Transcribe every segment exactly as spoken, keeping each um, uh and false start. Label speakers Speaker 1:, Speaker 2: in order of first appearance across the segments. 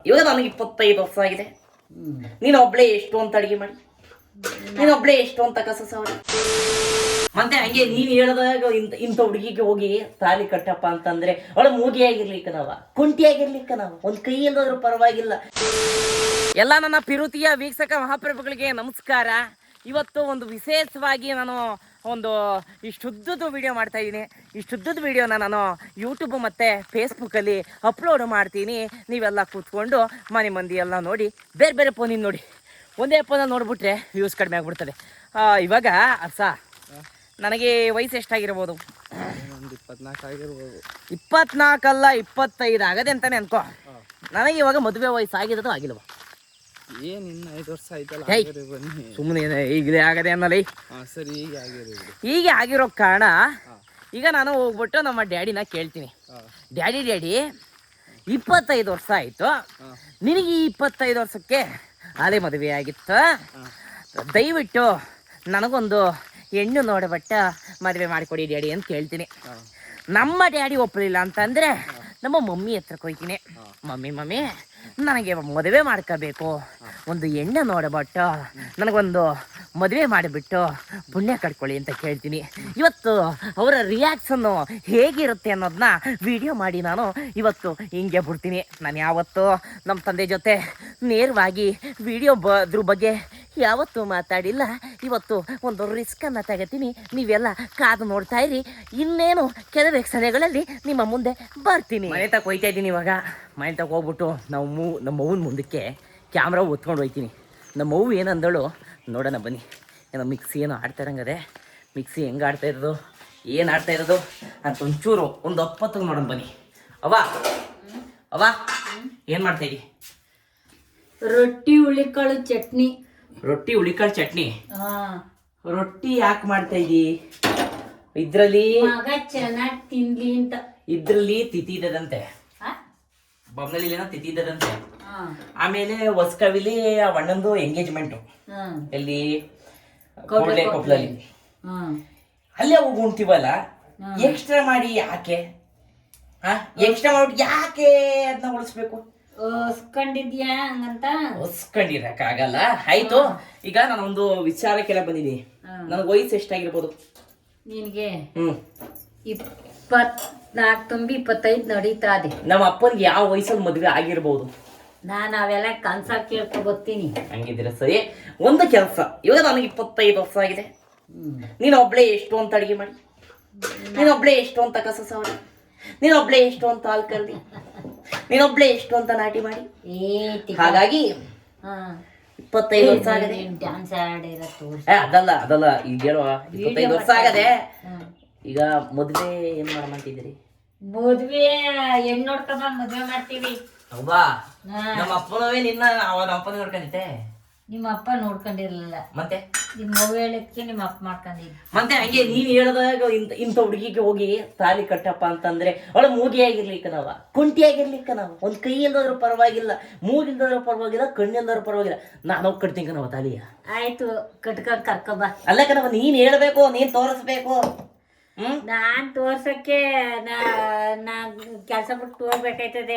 Speaker 1: ಇವಾಗ ನನಗೆ ಇಪ್ಪತ್ತೈದು ವರ್ಷ ಆಗಿದೆ. ನೀನು ಒಬ್ಳೆ ಎಷ್ಟು ಅಂತ ಅಡಿಗೆ ಮಾಡಿ, ನೀನು ಒಬ್ಳೆ ಎಷ್ಟು ಅಂತ ಕಸ ಸವರಿ. ಮತ್ತೆ ಹಂಗೆ ನೀನ್ ಹೇಳ್ದಾಗ ಇಂತ ಇಂಥ ಹುಡುಗಿಗೆ ಹೋಗಿ ತಾಲಿ ಕಟ್ಟಪ್ಪ ಅಂತಂದ್ರೆ ಅವಳ ಮೂಗಿ ಆಗಿರ್ಲಿಕ್ಕ ನಾವ, ಕುಂಟಿ ಆಗಿರ್ಲಿಕ್ಕ ನಾವು, ಒಂದ್ ಕೈ ಇಲ್ದಾದ್ರೂ ಪರವಾಗಿಲ್ಲ. ಎಲ್ಲ ನನ್ನ ಪಿರುತಿಯ ವೀಕ್ಷಕ ಮಹಾಪ್ರಭುಗಳಿಗೆ ನಮಸ್ಕಾರ. ಇವತ್ತು ಒಂದು ವಿಶೇಷವಾಗಿ ನಾನು ಒಂದು ಇಷ್ಟುದ್ದದ ವಿಡಿಯೋ ಮಾಡ್ತಾ ಇದ್ದೀನಿ. ಇಷ್ಟುದ್ದದ ವಿಡಿಯೋನ ನಾನು ಯೂಟ್ಯೂಬ್ ಮತ್ತು ಫೇಸ್ಬುಕ್ಕಲ್ಲಿ ಅಪ್ಲೋಡ್ ಮಾಡ್ತೀನಿ. ನೀವೆಲ್ಲ ಕೂತ್ಕೊಂಡು ಮನೆ ಮಂದಿ ಎಲ್ಲ ನೋಡಿ ಬೇರೆ ಬೇರೆ ಫೋನಿಂದ ನೋಡಿ, ಒಂದೇ ಫೋನಲ್ಲಿ ನೋಡಿಬಿಟ್ರೆ ವ್ಯೂಸ್ ಕಡಿಮೆ ಆಗಿಬಿಡ್ತದೆ. ಇವಾಗ ಅರ್ಸ ನನಗೆ ವಯಸ್ಸು ಎಷ್ಟಾಗಿರ್ಬೋದು?
Speaker 2: ಇಪ್ಪತ್ನಾಲ್ಕು ಆಗಿರ್ಬೋದು.
Speaker 1: ಇಪ್ಪತ್ನಾಲ್ಕಲ್ಲ ಇಪ್ಪತ್ತೈದು ಆಗದೆ ಅಂತಾನೆ ಅನ್ಕೋ. ನನಗೆ ಇವಾಗ ಮದುವೆ ವಯಸ್ಸು ಆಗಿರೋದು ಆಗಿಲ್ವ?
Speaker 2: ಏನ್ ಇನ್ನು ಐದು ವರ್ಷ ಆಯ್ತಲ್ಲ. ಬನ್ನಿ
Speaker 1: ಸುಮ್ಮನೆ ಈಗಲೇ ಆಗದೆ ಅನ್ನಲ್ಲ.
Speaker 2: ಸರಿ, ಹೀಗೆ ಆಗಿರೋ
Speaker 1: ಹೀಗೆ ಆಗಿರೋ ಕಾರಣ ಈಗ ನಾನು ಹೋಗ್ಬಿಟ್ಟು ನಮ್ಮ ಡ್ಯಾಡಿನ ಕೇಳ್ತೀನಿ, ಡ್ಯಾಡಿ ಡ್ಯಾಡಿ ಇಪ್ಪತ್ತೈದು ವರ್ಷ ಆಯಿತು, ನಿನಗೆ ಈ ಇಪ್ಪತ್ತೈದು ವರ್ಷಕ್ಕೆ ಅದೇ ಮದುವೆ ಆಗಿತ್ತು, ದಯವಿಟ್ಟು ನನಗೊಂದು ಹೆಣ್ಣು ನೋಡಬಟ್ಟ ಮದುವೆ ಮಾಡಿಕೊಡಿ ಡ್ಯಾಡಿ ಅಂತ ಕೇಳ್ತೀನಿ. ನಮ್ಮ ಡ್ಯಾಡಿ ಒಪ್ಪಲಿಲ್ಲ ಅಂತಂದರೆ ನಮ್ಮ ಮಮ್ಮಿ ಹತ್ರಕ್ಕೆ ಹೋಗ್ತೀನಿ. ಮಮ್ಮಿ ಮಮ್ಮಿ ನನಗೆ ಮದುವೆ ಮಾಡ್ಕೋಬೇಕು, ಒಂದು ಹೆಣ್ಣು ನೋಡಬಟ್ಟು ನನಗೊಂದು ಮದುವೆ ಮಾಡಿಬಿಟ್ಟು ಪುಣ್ಯ ಕಟ್ಕೊಳ್ಳಿ ಅಂತ ಕೇಳ್ತೀನಿ. ಇವತ್ತು ಅವರ ರಿಯಾಕ್ಷನ್ನು ಹೇಗಿರುತ್ತೆ ಅನ್ನೋದನ್ನ ವಿಡಿಯೋ ಮಾಡಿ ನಾನು ಇವತ್ತು ಹಿಂಗೆ ಬಿಡ್ತೀನಿ. ನಾನು ಯಾವತ್ತು ನಮ್ಮ ತಂದೆ ಜೊತೆ ನೇರವಾಗಿ ವಿಡಿಯೋ ಬದ್ರ ಬಗ್ಗೆ ಯಾವತ್ತೂ ಮಾತಾಡಿಲ್ಲ. ಇವತ್ತು ಒಂದು ರಿಸ್ಕನ್ನು ತಗೋತೀನಿ. ನೀವೆಲ್ಲ ಕಾದು ನೋಡ್ತಾ ಇರಿ. ಇನ್ನೇನು ಕೆಲವೇ ಕ್ಷಣಗಳಲ್ಲಿ ನಿಮ್ಮ ಮುಂದೆ ಬರ್ತೀನಿ. ಮನೆ ತಕ್ಕ ಹೋಯ್ತಾ ಇದ್ದೀನಿ. ಇವಾಗ ಮನೆ ತಕ್ಕ ಹೋಗ್ಬಿಟ್ಟು ನಾವು ಮೂ ನಮ್ಮ ಅವ್ವನ ಮುಂದಕ್ಕೆ ಕ್ಯಾಮ್ರಾ ಒತ್ಕೊಂಡು ಹೋಗ್ತೀನಿ. ನಮ್ಮ ಅವ್ವ ಏನಂದಳು ನೋಡೋಣ ಬನ್ನಿ. ಏನೋ ಮಿಕ್ಸಿ ಏನೋ ಆಡ್ತಾ ಇರಂಗದೆ, ಮಿಕ್ಸಿ ಹೆಂಗೆ ಆಡ್ತಾ ಇರೋದು, ಏನು ಆಡ್ತಾ ಇರೋದು ಅಂತ ಒಂಚೂರು ಒಂದು ಒಪ್ಪತ್ತು ನೋಡೋಣ ಬನ್ನಿ. ಅವ್ವ ಅವ್ವ ಏನು ಮಾಡ್ತಾ ಇದ್ದೀವಿ?
Speaker 3: ರೊಟ್ಟಿ ಹುಳಿಕಾಳು ಚಟ್ನಿ.
Speaker 1: ರೊಟ್ಟಿ ಹುಳಿಕಾಳು ಚಟ್ನಿ? ರೊಟ್ಟಿ ಯಾಕೆ ಮಾಡ್ತಾ ಇದ್ದೀ? ಇದ್ರಲ್ಲಿ
Speaker 3: ಮಗ ಚೆನ್ನಾಗಿ ತಿನ್ಲಿ ಅಂತ.
Speaker 1: ಇದ್ರಲ್ಲಿ ತಿಥಿ ಇದ್ದದಂತೆ, ಬೊಮ್ಮನಲ್ಲಿ ಏನೋ ತಿಥಿ ಇದ್ದದಂತೆ. ಆಮೇಲೆ ಹೊಸಕವಿಲಿ ಆ ಅಣ್ಣಂದು ಎಂಗೇಜ್ಮೆಂಟು ಎಲ್ಲಿ ಕೊಡ್ಲೆ ಕೊಪ್ಪಲಲ್ಲಿ, ಅಲ್ಲೇ ಹೋಗಿ ಉಣ್ತೀವಲ್ಲ. ಎಕ್ಸ್ಟ್ರಾ ಮಾಡಿ ಯಾಕೆ? ಹಾ ಎಕ್ಸ್ಟ್ರಾ ಮಾಡ್ಬಿಟ್ಟು ಯಾಕೆ ಅದನ್ನ ಉಳಿಸ್ಬೇಕು?
Speaker 3: ಹೊಸ್ಕೊಂಡಿದ್ಯಾ ಹಂಗಂತ?
Speaker 1: ಹೊಸ್ಕೊಂಡಿರಕ್ಕಾಗಲ್ಲ. ಆಯ್ತು, ಈಗ ನಾನೊಂದು ವಿಚಾರಕ್ಕೆಲ್ಲ ಬಂದಿದ್ದೀನಿ. ನನಗೆ ವಯಸ್ಸು ಎಷ್ಟಾಗಿರ್ಬೋದು?
Speaker 3: ನಿನಗೆ
Speaker 1: ಹ್ಮ್
Speaker 3: ಇಪ್ಪತ್ನಾಲ್ಕು ತುಂಬಿ ಇಪ್ಪತ್ತೈದು ನಡೀತಾ ಇದೆ.
Speaker 1: ನಮ್ಮ ಅಪ್ಪನಿಗೆ ಯಾವ ವಯಸ್ಸಲ್ಲಿ ಮದುವೆ ಆಗಿರ್ಬೋದು?
Speaker 3: ನಾನು ಅವೆಲ್ಲ ಕನ್ಸ ಕೇಳ್ಕೊ ಬರ್ತೀನಿ.
Speaker 1: ಹಂಗಿದ್ದೀರ ಸರಿ. ಒಂದು ಕೆಲಸ, ಇವಾಗ ನನಗೆ ಇಪ್ಪತ್ತೈದು ವರ್ಷ ಆಗಿದೆ. ನೀನು ಒಬ್ಳೆ ಎಷ್ಟು ಅಂತ ಅಡಿಗೆ ಮಾಡಿ, ನೀನೊಬ್ಳೆ ಎಷ್ಟು ಅಂತ ಕಸ ಸವರಿ, ನೀನೊಬ್ಳೆ ಎಷ್ಟು ಅಂತ ಹಾಲು ಕರ್ದಿ, ನೀನೊಬ್ಳೆ ಎಷ್ಟು ಅಂತ ನಾಟಿ ಮಾಡಿ. ಹಾಗಾಗಿ ಇಪ್ಪತ್ತೈದು ವರ್ಷ ಆಗದೆ.
Speaker 3: ಡ್ಯಾನ್ಸ್ ಆಡಿರತ್ತು
Speaker 1: ಅದಲ್ಲ ಅದಲ್ಲ ಈಗ ಹೇಳುವ ಇಪ್ಪತ್ತೈದು ವರ್ಷ ಆಗದೆ. ಈಗ ಮದ್ವೆ ಏನ್ ಮಾಡಂತಿದ್ದೀರಿ?
Speaker 3: ಮದ್ವೆ ಹೆಣ್ಣು ನೋಡ್ಕೊಂಬ ಮದ್ವೆ ಮಾಡ್ತೀವಿ.
Speaker 1: ಹೌದಾ? ನಮ್ಮ ಅಪ್ಪನವೇ ನಿನ್ನ ಅವನ ಅಪ್ಪನ ನೋಡ್ಕೊಂಡಿದ್ದೆ.
Speaker 3: ನಿಮ್ಮ ಅಪ್ಪ ನೋಡ್ಕೊಂಡಿರ್ಲಿಲ್ಲ,
Speaker 1: ಮತ್ತೆ
Speaker 3: ನಿಮ್ಮ ಅವ್ವ ಹೇಳಕ್ಕೆ ನಿಮ್ಮ ಅಪ್ಪ ಮಾಡ್ಕೊಂಡಿದ್ದ.
Speaker 1: ಮತ್ತೆ ಹಂಗೆ ನೀನ್ ಹೇಳ್ದಾಗ ಇಂತ ಇಂಥ ಹುಡುಗಿಗೆ ಹೋಗಿ ತಾಲಿ ಕಟ್ಟಪ್ಪ ಅಂತಂದ್ರೆ ಅವಳ ಮೂಗಿ ಆಗಿರ್ಲಿಕ್ಕ ನಾವ, ಕುಂಟಿ ಆಗಿರ್ಲಿಕ್ಕ ನಾವು, ಒಂದ್ ಕೈ ಇಲ್ದಾದ್ರೂ ಪರವಾಗಿಲ್ಲ, ಮೂಗಿಲ್ದಾದ್ರೂ ಪರವಾಗಿಲ್ಲ, ಕಣ್ಣಿಲ್ದಾದ್ರೂ ಪರವಾಗಿಲ್ಲ, ನಾನು ಹೋಗಿ ಕಟ್ತೀನಿ ಕಣವ ತಾಲಿಯ.
Speaker 3: ಆಯ್ತು, ಕಟ್ಕೊಂಡ್ ಕರ್ಕೊಬ.
Speaker 1: ಅಲ್ಲ ಕಣವ, ನೀನ್ ಹೇಳ್ಬೇಕು, ನೀನ್ ತೋರಿಸ್ಬೇಕು. ಹ್ಮ್
Speaker 3: ನಾನ್ ತೋರ್ಸಕ್ಕೆ ನಾ ಕೆಲ್ಸ ಬಿಟ್ಟು ಹೋಗ್ಬೇಕಾಯ್ತದೆ.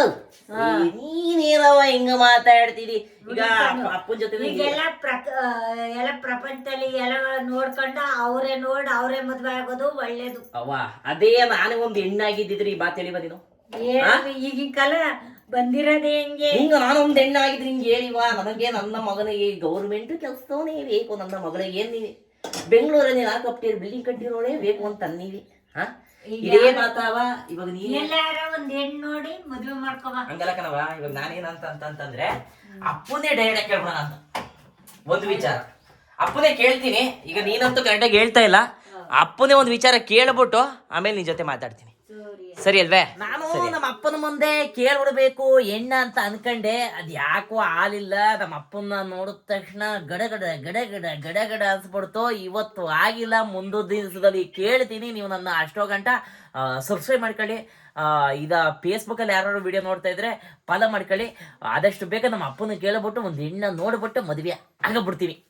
Speaker 1: ನೀನೇನವ ಹಿಂಗ ಮಾತಾಡ್ತೀರಿ? ಈಗ ಅಪ್ಪನ ಜೊತೆ
Speaker 3: ಈಗೆಲ್ಲ ಪ್ರಕ ಎಲ್ಲ ಪ್ರಪಂಚದಲ್ಲಿ ಎಲ್ಲ ನೋಡ್ಕೊಂಡು ಅವರೇ ನೋಡ್ ಅವರೇ ಮದ್ವೆ ಆಗೋದು ಒಳ್ಳೇದು.
Speaker 1: ಅವ್ವ ಅದೇ ನಾನು ಒಂದ್ ಹೆಣ್ಣಾಗಿದ್ದಿದ್ರಿ ಈ ಮಾತು ಹೇಳಿವ ನೀನು?
Speaker 3: ಈಗಿನ ಕಾಲ ಬಂದಿರೋದೇ ಹೆಂಗೆ?
Speaker 1: ಹಿಂಗ ನಾನು ಒಂದ್ ಹೆಣ್ಣಾಗಿದ್ರಿ ಹಿಂಗೆ ಹೇಳಿವಾ? ನನಗೆ ನನ್ನ ಮಗನಿಗೆ ಗೌರ್ಮೆಂಟ್ ಕೆಲ್ಸದವನೇ ಬೇಕು, ನನ್ನ ಮಗಳಿಗೆ ಏನ್ ನೀವಿ ಬೆಂಗಳೂರಲ್ಲಿ ನಾ ಕಟ್ಟಿರೋ ಬಿಲ್ಡಿಂಗ್ ಕಟ್ಟಿರೋಳೇ ಬೇಕು ಅಂತ ಅನ್ನೀವಿ. ಹಾ ಇದೇ ಮಾತಾವ. ಇವಾಗ ನೀನ್
Speaker 3: ಎಲ್ಲಾರ ಒಂದ್ ಹೆಣ್ಣು ನೋಡಿ ಮದ್ವೆ ಮಾಡ್ಕೋಬ.
Speaker 1: ಹಂಗಲ್ಲ ಕಣವ. ಇವಾಗ ನಾನೇನಂತ ಅಂತಂದ್ರೆ ಅಪ್ಪನೇ ಡೈರೆಕ್ಟ್ ಕೇಳ್ಬೋಣ ಅಂತ ಒಂದು ವಿಚಾರ. ಅಪ್ಪನೇ ಕೇಳ್ತೀನಿ. ಈಗ ನೀನಂತೂ ಕರೆಕ್ಟಾಗಿ ಹೇಳ್ತಾ ಇಲ್ಲ. ಅಪ್ಪನೇ ಒಂದು ವಿಚಾರ ಕೇಳ್ಬಿಟ್ಟು ಆಮೇಲೆ ನಿನ್ ಜೊತೆ ಮಾತಾಡ್ತೀನಿ, ಸರಿ ಅಲ್ವೇ? ನಾನು ನಮ್ಮ ಅಪ್ಪನ ಮುಂದೆ ಕೇಳ್ಬಿಡ್ಬೇಕು ಹೆಣ್ಣ ಅಂತ ಅನ್ಕಂಡೆ. ಅದ್ ಯಾಕೋ ಹಾಲಿಲ್ಲ. ನಮ್ಮ ಅಪ್ಪನ ನೋಡಿದ ತಕ್ಷಣ ಗಡಗಡ ಗಡಗಡ ಗಡಗಡ ಅನ್ಸ್ಬಿಡ್ತು. ಇವತ್ತು ಆಗಿಲ್ಲ, ಮುಂದೊ ದಿವಸದಲ್ಲಿ ಕೇಳ್ತೀನಿ. ನೀವು ನನ್ನ ಅಷ್ಟೋ ಗಂಟ ಸಬ್ಸ್ಕ್ರೈಬ್ ಮಾಡ್ಕೊಳ್ಳಿ. ಇದ ಫೇಸ್ಬುಕ್ಕಲ್ಲಿ ಯಾರು ವಿಡಿಯೋ ನೋಡ್ತಾ ಇದ್ರೆ ಫಾಲೋ ಮಾಡ್ಕೊಳ್ಳಿ. ಆದಷ್ಟು ಬೇಗ ನಮ್ಮ ಅಪ್ಪನ ಕೇಳ್ಬಿಟ್ಟು ಒಂದು ಹೆಣ್ಣ ನೋಡ್ಬಿಟ್ಟು ಮದುವೆ ಆಗಬಿಡ್ತೀನಿ.